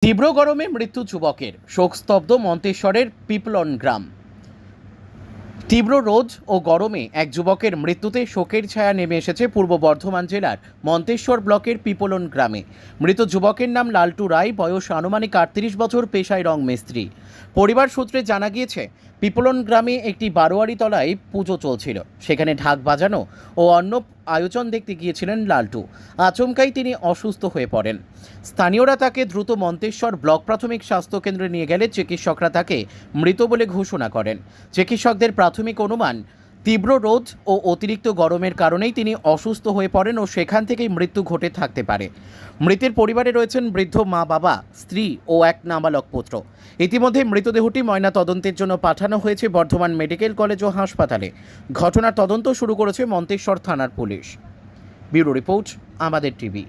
তীব্র গরমে মৃত্যু যুবকের, শোকস্তব্ধ মন্তেশ্বরের পিপলন গ্রাম। তীব্র রোদ ও গরমে এক যুবকের মৃত্যুতে শোকের ছায়া নেমে এসেছে পূর্ব বর্ধমান জেলার মন্তেশ্বর ব্লকের পিপলন গ্রামে। মৃত যুবকের নাম লালটু রায়, বয়স আনুমানিক 38 বছর, পেশায় রং মিস্ত্রি। পরিবার সূত্রে জানা গিয়েছে, পিপলন গ্রামে একটি বারোয়ারি তলায় পুজো চলছিল। সেখানে ঢাক বাজানো ও অন্য আয়োজন দেখতে গিয়েছিলেন লালটু। আচমকাই তিনি অসুস্থ হয়ে পড়েন। স্থানীয়রা তাকে দ্রুত মন্তেশ্বর ব্লক প্রাথমিক স্বাস্থ্যকেন্দ্রে নিয়ে গেলে চিকিৎসকরা তাকে মৃত বলে ঘোষণা করেন। চিকিৎসকদের প্রাথমিক অনুমান, তীব্র রোদ ও অতিরিক্ত গরমের কারণেই তিনি অসুস্থ হয়ে পড়েন ও সেখান থেকেই মৃত্যু ঘটে থাকতে পারে। মৃতের পরিবারে রয়েছেন বৃদ্ধ মা, বাবা, স্ত্রী ও এক নাবালক পুত্র। ইতিমধ্যে মৃতদেহটি ময়না তদন্তের জন্য পাঠানো হয়েছে বর্ধমান মেডিকেল কলেজ ও হাসপাতালে। ঘটনার তদন্ত শুরু করেছে মন্তেশ্বর থানার পুলিশ। ব্যুরো রিপোর্ট, আমাদের টিভি।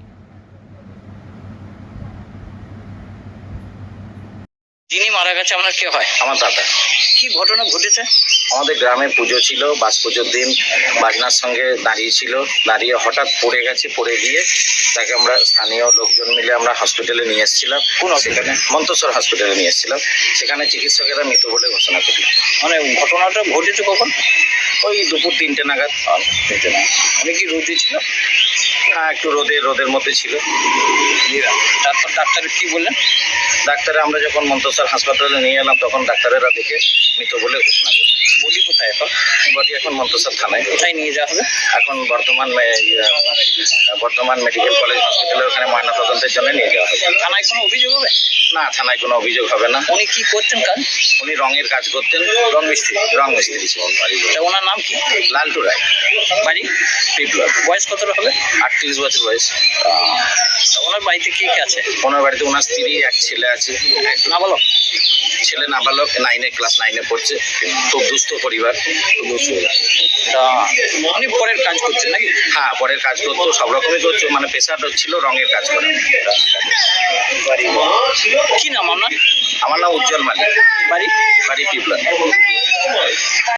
যিনি মারা গেছে আপনার কে হয়? আমার দাদা। কি ঘটনা ঘটেছে? আমাদের গ্রামে পুজো ছিল, বাস পুজোর দিন বাজনার সঙ্গে দাঁড়িয়েছিল, দাঁড়িয়ে হঠাৎ পড়ে গেছে। পড়ে গিয়ে তাকে আমরা স্থানীয় লোকজন মিলে আমরা হসপিটালে নিয়ে এসেছিলাম। কোন সেখানে? মন্তেশ্বর হসপিটালে নিয়ে এসেছিলাম। সেখানে চিকিৎসকেরা মৃত বলে ঘোষণা করি। মানে ঘটনাটা ঘটেছে কখন? ওই দুপুর 3টে নাগাদ। উনি কি রোদে ছিল? হ্যাঁ, একটু রোদের মধ্যে ছিল। তারপর ডাক্তার কি বললেন? ডাক্তারে আমরা যখন মন্তেশ্বর হাসপাতালে নিয়ে এলাম তখন ডাক্তারেরা দেখে মৃত বলে ঘোষণা করছে। বডি কোথায় এখন? বডি এখন মন্তেশ্বর থানায়। কোথায় নিয়ে যাওয়া হবে? এখন বর্ধমান মেডিকেল কলেজ হসপিটালে ওখানে ময়না তদন্তের জন্য নিয়ে যাওয়া হবে। থানায় কোনো অভিযোগ হবে? না, থানায় কোনো অভিযোগ হবে না। উনি কি করতেন কাজ? উনি রঙের কাজ করতেন, রং মিস্ত্রি ছিলেন। তা ওনার নাম কি? লালটু রায়, বাড়ি পিপলন। বয়স কতটা হবে? 38 বছর বয়স। তা ওনার বাড়িতে কে কে আছে? ওনার বাড়িতে ওনার স্ত্রী, এক ছেলে আছে। নাবালক? ছেলে নাবালক, ক্লাস 9-এ পড়ছে। খুব দুস্থ পরিবার। তা উনি পরের কাজ করছেন নাকি? হ্যাঁ, পরের কাজ করতো, সব রকমই করতো, মানে পেশাটা ছিল রঙের কাজ করা। কি নাম আপনার? আমার নাম উজ্জ্বল মালিক, বাড়ি? বাড়ি পিপলন।